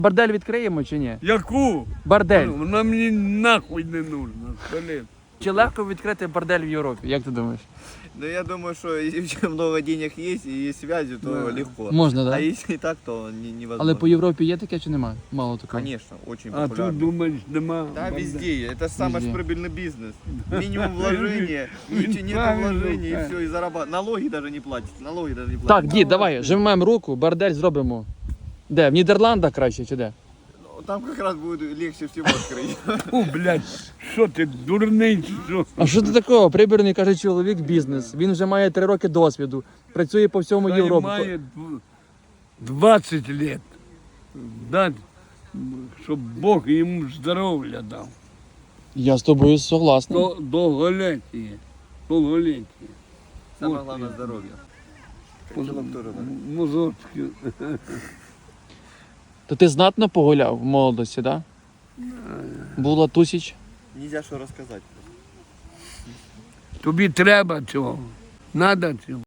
Бордель відкриємо чи ні? Яку? Бордель. Вона мені нахуй не нужна. Блин. Чи легко відкрити бордель в Європі? Як ти думаєш? Ну, я думаю, что если много денег есть и есть связи, то Да. легко. Можна, А так? если так, то невозможно. Але по Європі є таке чи немає? Мало такого. Конечно, очень А популярно. тут думаєш, нема. Да, борделя? везде. Это самый Везде. прибыльный бизнес. Минимум вложения, нет Правильно, вложений, и правильно. все, и зарабатывать. Налоги даже не платите, налоги даже не Так, платите. дід, давай, жмемо руку, бордель зробимо. Де? В Нідерландах краще чи де? Там как раз будет легче всего открыть. Фу, блядь, що ти, дурний, чи що? А що ти такого? Прибірний, каже, чоловік бізнес. Він вже має 3 роки досвіду. Працює по всьому Та й Європі. має 20 лет. Дать, щоб Бог йому здоров'я дав. Я з тобою согласний. Довголіття. Довголіття. Самое Вот главное я. здоровье. Причем тоже, да. Мозочки. То ти знатно погуляв в молодості, так? Да? Була тусіч. Нельзя что рассказать. Тобі треба цього. Надо цього.